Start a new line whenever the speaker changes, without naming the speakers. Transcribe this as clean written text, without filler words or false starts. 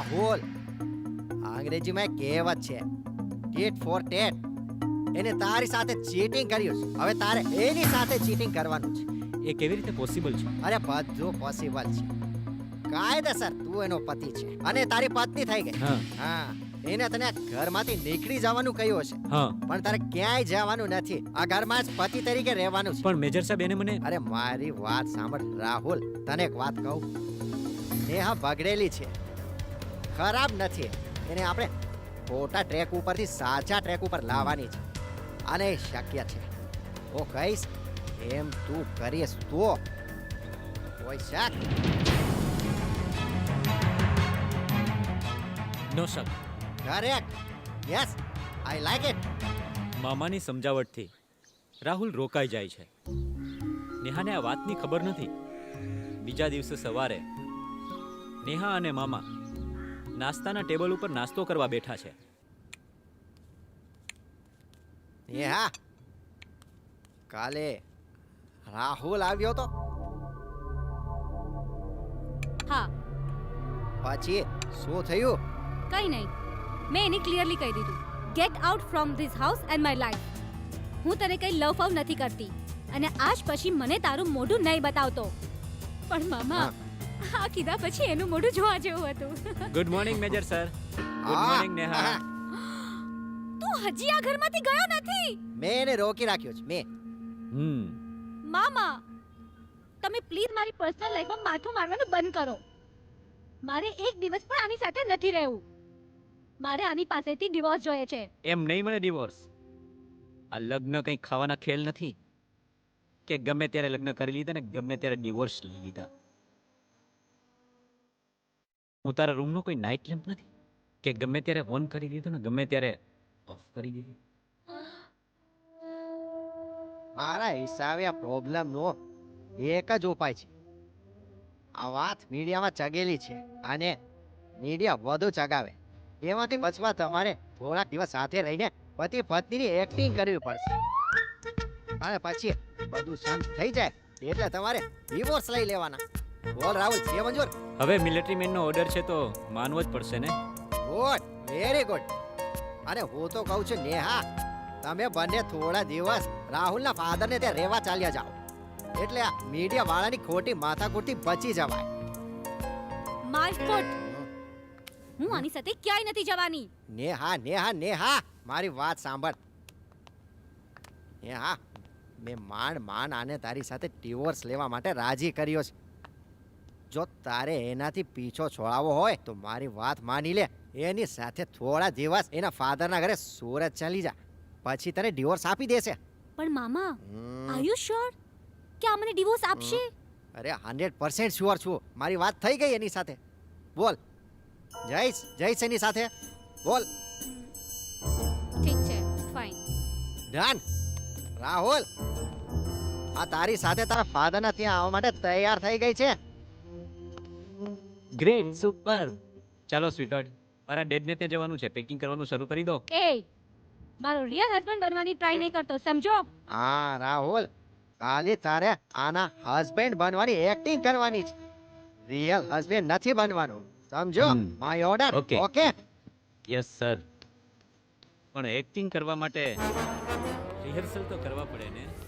રાહુલ, અંગ્રેજીમાં એક કહેવત છે, ટીટ ફોર ટેટ. એને તારી સાથે ચીટિંગ કર્યું છે, હવે તારે એની સાથે ચીટિંગ કરવાનું છે.
એ કેવી રીતે પોસિબલ છે?
અરે બધું પોસિબલ છે. કાયદેસર તું એનો પતિ છે અને તારી પત્ની થઈ ગઈ.
હા
હા, એને તને ઘરમાંથી નીકળી જવાનું કહ્યું હશે,
હા,
પણ તારે ક્યાંય જવાનું નથી. આ ઘરમાં જ પતિ તરીકે રહેવાનું છે.
પણ મેજર સાહેબ એને મને
અરે મારી વાત સાંભળ રાહુલ, તને એક વાત કહું. નેહા બગડેલી છે, ખરાબ નથી. એને આપણે ખોટા ટ્રેક ઉપરથી સાચા ટ્રેક ઉપર લાવવાની છે અને એ શક્ય છે. હું કહીશ એમ તું કરીશ તો કોઈ શક
નો શક.
Correct. Yes, I like it.
મામાની સમજાવટથી રાહુલ રોકાઈ જાય છે. નેહાને આ વાતની ખબર નથી. બીજા દિવસે સવારે નેહા અને મામા નાસ્તાના ટેબલ ઉપર નાસ્તો કરવા બેઠા છે.
નેહા, કાલે રાહુલ આવ્યો તો,
હા,
પછી શું થયું?
કઈ નહીં. મેં એને ક્લિયરલી કહી દીધું, get out from this house and my life. હું તને કઈ લવ ફવ નથી કરતી અને આજ પછી મને તારું મોઢું નહીં બતાવતો. પણ મામા, આ કીધા પછી એનું મોઢું જોવા જેવું હતું.
Good morning major sir. Good morning Neha.
તું હજી આ ઘરમાંથી ગયો નથી.
મેં એને રોકી રાખ્યો છે. મેં
મામા, તમે પ્લીઝ મારી પર્સનલ લાઈફમાં માથું મારવાનું બંધ કરો. મારે એક દિવસ પણ આની સાથે નથી રહેવું. મારે આની પાસેથી ડિવોર્સ જોઈએ છે.
એમ નહીં મળે ડિવોર્સ. આ લગ્ન કંઈ ખાવાના ખેલ નથી કે ગમે ત્યારે લગ્ન કરી લીધા ને ગમે ત્યારે ડિવોર્સ લઈ લીધા. હું તારા રૂમનો કોઈ નાઇટ લેમ્પ નથી કે ગમે ત્યારે ઓન કરી દીધો ને ગમે ત્યારે ઓફ કરી દીધો.
મારા હિસાબે આ પ્રોબ્લેમ નો એક જ ઉપાય છે. આ વાત મીડિયામાં ચગેલી છે અને મીડિયા વધુ ચગાવે એમાંથી બચવા તમારે થોડાક દિવસ સાથે રહીને પતિ પત્નીની એક્ટિંગ કરવી પડશે અને પછી બધું શાંત થઈ જાય એટલે તમારે ડિવોર્સ લઈ લેવાના. બોલ રાહુલ, છે મંજૂર?
હવે મિલિટરી મેનનો ઓર્ડર છે તો માનવો જ પડશે ને.
Good, very good. અને હું તો કહું છું નેહા, તમે બંને થોડા દિવસ રાહુલના ફાધરને ત્યાં રહેવા ચાલ્યા જાઓ એટલે આ મીડિયા વાળાની ખોટી માથાકૂટથી બચી જવાય.
My foot. હું આની સાથે ક્યાંય નથી જવાની.
નેહા નેહા નેહા, મારી વાત સાંભળ. નેહા, મેં માંડ આને તારી સાથે ડિવોર્સ લેવા માટે રાજી કર્યો છે. જો તારે એનાથી પીછો છોડાવવો હોય તો મારી વાત માની લે. એની સાથે થોડા દિવસ એના ફાધરના ઘરે સુરત ચાલી જા, પછી તને ડિવોર્સ આપી દેશે.
પણ મામા, આર યુ શ્યોર કે આ મને ડિવોર્સ આપશે?
અરે 100% શ્યોર છું. મારી વાત થઈ ગઈ એની સાથે. બોલ, જઈશ એની સાથે. બોલ.
ઠીક છે, ફાઇન.
ડન. રાહુલ, આ તારી સાથે તારા ફાધરના ત્યાં આવવા માટે તૈયાર થઈ ગઈ છે.
Great, super. ચાલો સ્વીટહાર્ટ, મારા ડેડને ત્યાં જવાનું છે. પેકિંગ કરવાનું શરૂ કરી દો.
એ મારો રિયલ હસબન્ડ બનવાની ટ્રાય નહીં કરતો, સમજો?
હા રાહુલ, કાલે તારે આના હસબન્ડ બનવાની એક્ટિંગ કરવાની છે. રિયલ હસબન્ડ નથી બનવાનું, સમજો? My order.
Okay.
Okay?
Yes sir. પણ એક્ટિંગ કરવા માટે રિહર્સલ તો કરવા પડે ને.